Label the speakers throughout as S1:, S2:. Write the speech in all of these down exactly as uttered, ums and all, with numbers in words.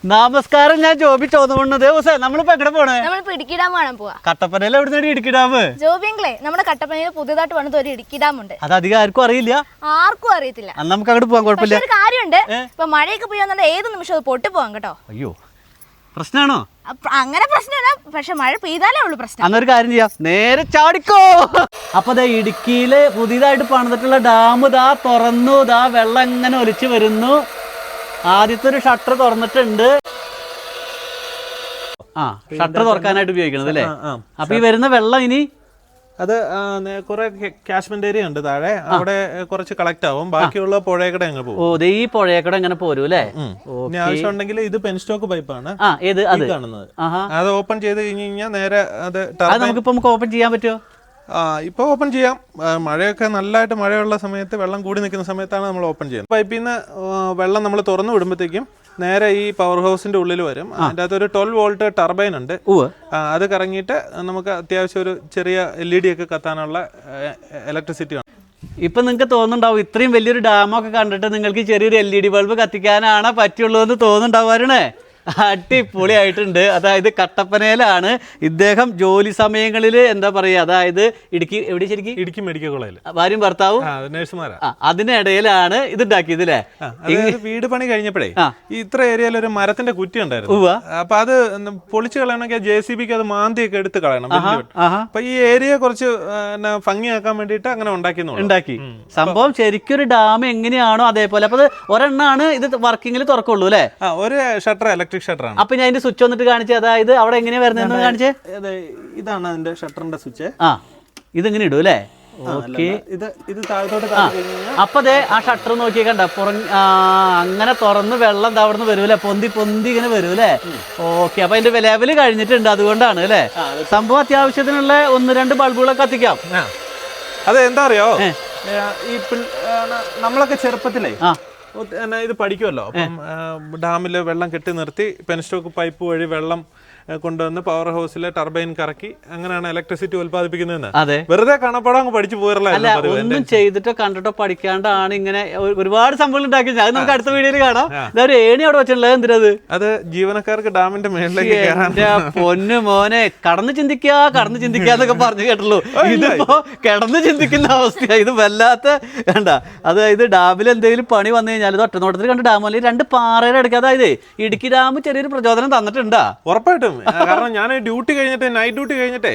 S1: നമസ്കാരം, ഞാൻ ജോബി ചോദിക്കുന്നത് ദിവസം നമ്മളിപ്പോ എവിടെ പോണേ?
S2: നമ്മളിപ്പോ ഇടുക്കി ഡാം കാണാൻ പോവാ.
S1: കട്ടപ്പനയിൽ എവിടെ ഇടുക്കി ഡാം?
S2: ജോബിങ്ങളെ നമ്മുടെ കട്ടപ്പനയിൽ പുതിയതായിട്ട് വന്നത് ഒരു ഇടുക്കി ഡാം ഉണ്ട്.
S1: അത് അധികം ആർക്കും അറിയില്ല.
S2: ആർക്കും അറിയത്തില്ല.
S1: നമുക്ക് അങ്ങോട്ട് പോകാൻ കുഴപ്പമില്ല.
S2: ഒരു കാര്യമുണ്ട്, ഇപ്പൊ മഴയൊക്കെ പെയ്യാന്നുണ്ടെ ഏത് നിമിഷം അത് പൊട്ടി പോവാം കേട്ടോ.
S1: അയ്യോ, പ്രശ്നമാണോ?
S2: അങ്ങനെ പ്രശ്നമല്ല, പക്ഷെ മഴ പെയ്താലേ ഉള്ളു പ്രശ്നം.
S1: അന്നൊരു കാര്യം ചെയ്യാം, നേരെ ചാടിക്കോ. അപ്പൊ ദാ ഇടുക്കിയില് പുതിയതായിട്ട് പണിതിട്ടുള്ള ഡാം ദാ തുറന്നു, ദാ വെള്ളം ഇങ്ങനെ ഒലിച്ചു വരുന്നു. ആദ്യത്തെ ഒരു ഷട്ടർ തുറന്നിട്ടുണ്ട്. ആ, ഷട്ടർ തുറക്കാനായിട്ട് ഉപയോഗിക്കണത് അല്ലേ? അപ്പൊ ഈ വരുന്ന വെള്ളം ഇനി
S3: അത് കുറെ കാശ്മെന്റ് ഏരിയ ഉണ്ട് താഴെ, അവിടെ കുറച്ച് കളക്ട് ആവും, ബാക്കിയുള്ള പുഴയക്കടെ അങ്ങ് പോകും.
S1: ഓ, ഈ പുഴയക്കടെ അങ്ങനെ പോരും അല്ലേ?
S3: ഇനി ആവശ്യമുണ്ടെങ്കിൽ ഇത് പെൻസ്റ്റോക്ക് പൈപ്പാണ് കാണുന്നത്. അത് ഓപ്പൺ ചെയ്ത് കഴിഞ്ഞ് കഴിഞ്ഞാൽ നേരെ അത്
S1: നമുക്കിപ്പോ നമുക്ക് ഓപ്പൺ ചെയ്യാൻ പറ്റുമോ?
S3: ആ, ഇപ്പൊ ഓപ്പൺ ചെയ്യാം. മഴയൊക്കെ നല്ലതായിട്ട് മഴയുള്ള സമയത്ത്, വെള്ളം കൂടി നിൽക്കുന്ന സമയത്താണ് നമ്മൾ ഓപ്പൺ ചെയ്യുന്നത്. പൈപ്പിൽ നിന്ന് വെള്ളം നമ്മൾ തുറന്നു വിടുമ്പോഴത്തേക്കും നേരെ ഈ പവർ ഹൗസിന്റെ ഉള്ളിൽ വരും. അതിൻ്റെ അകത്ത് ഒരു ട്വൽവ് വോൾട്ട് ടർബൈൻ ഉണ്ട്. അത് കറങ്ങിയിട്ട് നമുക്ക് അത്യാവശ്യം ഒരു ചെറിയ എൽ ഇ ഡി ഒക്കെ കത്താനുള്ള ഇലക്ട്രിസിറ്റി ആണ്.
S1: ഇപ്പൊ നിങ്ങൾക്ക് തോന്നുന്നുണ്ടാവും ഇത്രയും വലിയൊരു ഡാമൊക്കെ കണ്ടിട്ട് നിങ്ങൾക്ക് ചെറിയൊരു എൽ ഇ ഡി ബൾബ് കത്തിക്കാനാണ് പറ്റുള്ളൂ എന്ന് തോന്നുന്നുണ്ടാവാറുണ്ടേ. അടിപൊളിയായിട്ടുണ്ട്. അതായത് കട്ടപ്പനയിലാണ് ഇദ്ദേഹം ജോലി സമയങ്ങളിൽ എന്താ പറയാ, അതായത് ഇടുക്കി എവിടെ ശരിക്കും
S3: ഇടുക്കി മെഡിക്കൽ കോളേജിൽ
S1: ഭാര്യയും ഭർത്താവും
S3: നഴ്സുമാരാ.
S1: അതിനിടയിലാണ് ഇത് ഉണ്ടാക്കിയത് അല്ലേ?
S3: വീട് പണി കഴിഞ്ഞപ്പോഴേ ഈ ഇത്ര ഏരിയയിൽ ഒരു മരത്തിന്റെ കുറ്റി ഉണ്ടായിരുന്നു. അപ്പൊ അത് പൊളിച്ചു കളയണമെങ്കിൽ ജെ സി ബിക്ക് അത് മാന്തിയൊക്കെ എടുത്ത് കളയണം. അപ്പൊ ഈ ഏരിയ കുറച്ച് ഭംഗിയാക്കാൻ വേണ്ടിട്ട് അങ്ങനെ ഉണ്ടാക്കി
S1: ഉണ്ടാക്കി സംഭവം ശരിക്കും ഒരു ഡാം എങ്ങനെയാണോ അതേപോലെ. അപ്പൊ വർണ്ണാണ് ഇത് വർക്കിംഗിൽ തുറക്കുള്ളൂ അല്ലേ?
S3: ഒരു ഷട്ടർ ഇലക്ട്രിക് ഷട്ടർ ആണ്.
S1: അപ്പൊ ഞാൻ അതിന്റെ സ്വിച്ച് വന്നിട്ട് കാണിച്ചേ, അതായത് അവിടെ എങ്ങനെയാ വരുന്നതെന്ന് കാണിച്ചേ.
S3: ഇതാണ് അതിന്റെ ഷട്ടറിന്റെ സ്വിച്ച്.
S1: ആ, ഇതിങ്ങനെ ഇടും അല്ലേ? ഓക്കെ.
S3: ഇത് ഇത് താഴത്തോട്ട്
S1: അപ്പൊ അതെ ആ ഷട്ടർ നോക്കിയേ കണ്ട പുറം അങ്ങനെ തുറന്ന് വെള്ളം അവിടുന്ന് വരൂല്ലേ, പൊന്തി പൊന്തി ഇങ്ങനെ വരൂല്ലേ? ഓക്കെ. അപ്പൊ അതിന്റെ ലെവല് കഴിഞ്ഞിട്ടുണ്ട്, അതുകൊണ്ടാണ് അല്ലേ? സംഭവം അത്യാവശ്യത്തിനുള്ള ഒന്ന് രണ്ട് ബൾബുകളൊക്കെ കത്തിക്കാം.
S3: അത് എന്താ അറിയോ, ഈ നമ്മളൊക്കെ ചെറുപ്പത്തിലേ ഇത് പഠിക്കുമല്ലോ. അപ്പം ഡാമിൽ വെള്ളം കെട്ടി നിർത്തി പെൻസ്റ്റോക്ക് പൈപ്പ് വഴി വെള്ളം കൊണ്ടുവന്ന് പവർ ഹൗസിലെ ടർബൈൻ കറക്കി അങ്ങനെയാണ് ഇലക്ട്രിസിറ്റി ഉത്പാദിപ്പിക്കുന്നതെന്ന്.
S1: അതെ,
S3: വെറുതെ കാണപ്പെടാൻ അങ്ങ് പഠിച്ചു പോയല്ല,
S1: ഒന്നും ചെയ്തിട്ടോ കണ്ടിട്ടോ പഠിക്കാണ്ടാണ് ഇങ്ങനെ ഒരുപാട് സംഭവങ്ങൾ ഉണ്ടാക്കി. അത് നമുക്ക് അടുത്ത വീഡിയോയിൽ കാണാം. ഇതൊരു ഏണി അവിടെ വെച്ചിട്ടുള്ളത് എന്തിനത്?
S3: അത് ജീവനക്കാർക്ക് ഡാമിന്റെ മേളിലേക്ക്
S1: പൊന്നു മോനെ, കടന്ന് ചിന്തിക്കാ കടന്ന് ചിന്തിക്കാന്നൊക്കെ പറഞ്ഞു കേട്ടുള്ളൂ. ഇതിപ്പോ കിടന്ന് ചിന്തിക്കുന്ന അവസ്ഥയാ. ഇത് വല്ലാത്ത വേണ്ട. അതായത് ഡാമിൽ എന്തെങ്കിലും പണി വന്നു കഴിഞ്ഞാൽ ഇത് ഒറ്റനോട്ടത്തിൽ കണ്ട് ഡാം അല്ലെങ്കിൽ രണ്ട് പാറയുടെ അടുക്കുക. അതായത് ഇടുക്കി ഡാം ചെറിയൊരു പ്രചോദനം തന്നിട്ടുണ്ടാ
S3: ഉറപ്പായിട്ടും. കാരണം ഞാൻ ഡ്യൂട്ടി കഴിഞ്ഞിട്ട് നൈറ്റ് ഡ്യൂട്ടി കഴിഞ്ഞിട്ടേ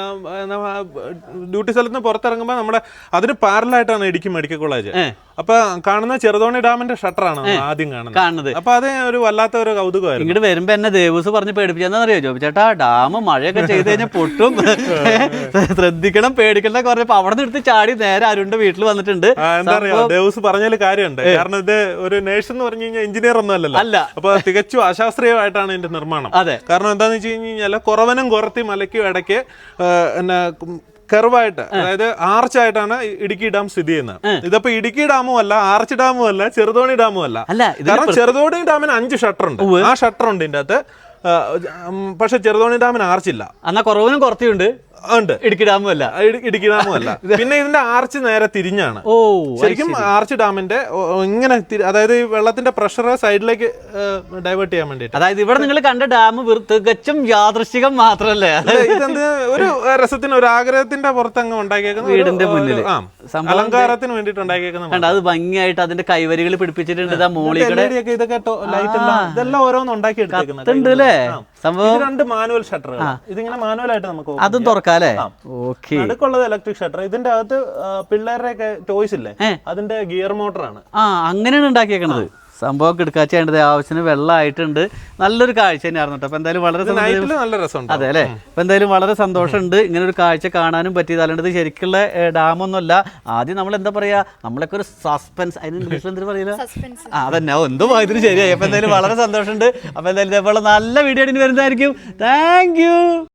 S3: ഡ്യൂട്ടി സ്ഥലത്ത് നിന്ന് പുറത്തിറങ്ങുമ്പോൾ നമ്മുടെ അതിന് പാരലായിട്ടാണ് ഇടുക്കി മെഡിക്കൽ കോളേജ്. അപ്പൊ കാണുന്ന ചെറുതോണി ഡാമിന്റെ ഷട്ടറാണ് ആദ്യം കാണുന്നത്. അപ്പൊ അത് ഒരു വല്ലാത്ത ഒരു കൗതുകമായിരുന്നു.
S1: ഇങ്ങോട്ട് വരുമ്പോ എന്നെ ദേവസ് പറഞ്ഞ് പേടിപ്പിച്ചെന്നറിയോ ജോബി ചേട്ടാ, ഡാം മഴയൊക്കെ ചെയ്ത് കഴിഞ്ഞാൽ പൊട്ടും, ശ്രദ്ധിക്കണം പേടിക്കണം പറഞ്ഞപ്പോ അവിടെ നിന്ന് എടുത്ത് ചാടി നേരെ അരുണിന്റെ വീട്ടിൽ വന്നിട്ടുണ്ട്.
S3: എന്താ പറയാ, ദേവസ് പറഞ്ഞാൽ കാര്യമുണ്ട്. കാരണം ഇത് ഒരു നേഴ്സ് എന്ന് പറഞ്ഞു കഴിഞ്ഞാൽ എഞ്ചിനീയർ ഒന്നും അല്ലല്ലോ. അല്ല, അപ്പൊ തികച്ചും അശാസ്ത്രീയമായിട്ടാണ് ഇതിന്റെ നിർമ്മാണം. അതെ, കാരണം എന്താന്ന് വെച്ച് കഴിഞ്ഞ് കഴിഞ്ഞാൽ കുറവനും കുറത്തി മലയ്ക്കും ഇടയ്ക്ക് എന്നാ കർവായിട്ട്, അതായത് ആർച്ചായിട്ടാണ് ഇടുക്കി ഡാം സ്ഥിതി ചെയ്യുന്നത്. ഇതിപ്പോ ഇടുക്കി ഡാമും അല്ല, ആർച്ച് ഡാമും അല്ല, ചെറുതോണി ഡാമും അല്ല. കാരണം ചെറുതോണി ഡാമിന് അഞ്ച് ഷട്ടർ ഉണ്ട്. ആ ഷട്ടർ ഉണ്ട് ഇതിന്റെ അകത്ത്. പക്ഷെ ചെറുതോണി ഡാമിന് ആർച്ചില്ല.
S1: എന്നാ കുറവിനും കുറച്ചുണ്ട്
S3: ഉണ്ട്.
S1: ഇടുക്കി ഡാമും അല്ല,
S3: ഇടുക്കി ഡാമും അല്ല. പിന്നെ ഇതിന്റെ ആർച്ച് നേരെ തിരിഞ്ഞാണ്. ഓ, ശരിക്കും ആർച്ച് ഡാമിന്റെ ഇങ്ങനെ, അതായത് ഈ വെള്ളത്തിന്റെ പ്രഷർ സൈഡിലേക്ക് ഡൈവേർട്ട് ചെയ്യാൻ വേണ്ടിട്ട്.
S1: അതായത് ഇവിടെ നിങ്ങൾ കണ്ട ഡാം തികച്ചും യാദൃശ്ചികം മാത്രല്ലേ?
S3: ഇതെന്ത് ഒരു രസത്തിന്, ഒരു ആഗ്രഹത്തിന്റെ പുറത്ത് അങ്ങ് ഉണ്ടാക്കിയേക്കുന്ന
S1: വീടിന്റെ മുന്നിൽ
S3: അലങ്കാരത്തിന് വേണ്ടിട്ട് ഉണ്ടാക്കിയേക്കുന്ന.
S1: അത് ഭംഗിയായിട്ട് അതിന്റെ കൈവരികൾ പിടിപ്പിച്ചിട്ടുണ്ട്.
S3: ഇതൊക്കെ ലൈറ്റ് എല്ലാം ഇതെല്ലാം ഓരോന്ന് ഉണ്ടാക്കി എടുത്തിട്ടുണ്ട്
S1: അല്ലേ?
S3: സംഭവം രണ്ട് മാനുവൽ ഷട്ടർ. ഇതിങ്ങനെ മാനുവലായിട്ട് നമുക്ക്
S1: അതും തുറക്കാം.
S3: നടുക്കുള്ളത് ഇലക്ട്രിക് ഷട്ടർ. ഇതിന്റെ അകത്ത് പിള്ളേരുടെ ഒക്കെ ടോയ്സ് ഇല്ലേ, അതിന്റെ ഗിയർ മോട്ടറാണ്.
S1: ആ, അങ്ങനെയാണ് ഉണ്ടാക്കിയേക്കണത്. സംഭവം കിടക്കാച്ചേണ്ടത് ആവശ്യത്തിന് വെള്ളമായിട്ടുണ്ട്. നല്ലൊരു കാഴ്ച തന്നെയായിരുന്നു കേട്ടോ. അപ്പൊ എന്തായാലും വളരെ
S3: നല്ല രസമുണ്ട്.
S1: അതെ അല്ലെ? അപ്പൊ എന്തായാലും വളരെ സന്തോഷമുണ്ട് ഇങ്ങനെ ഒരു കാഴ്ച കാണാനും പറ്റിയത്. അല്ലാണ്ട് ശരിക്കുള്ള ഡാമൊന്നുമല്ല. ആദ്യം നമ്മൾ എന്താ പറയാ, നമ്മളൊക്കെ ഒരു സസ്പെൻസ്, അതിന് ഇംഗ്ലീഷിൽ എന്താ പറയില്ല, അതന്നെ എന്തോ ഇതിന് ശരിയായി. അപ്പൊ എന്തായാലും വളരെ സന്തോഷമുണ്ട്. അപ്പൊ എന്തായാലും ഇതേപോലെ നല്ല വീഡിയോ വരുന്നതായിരിക്കും. Thank U.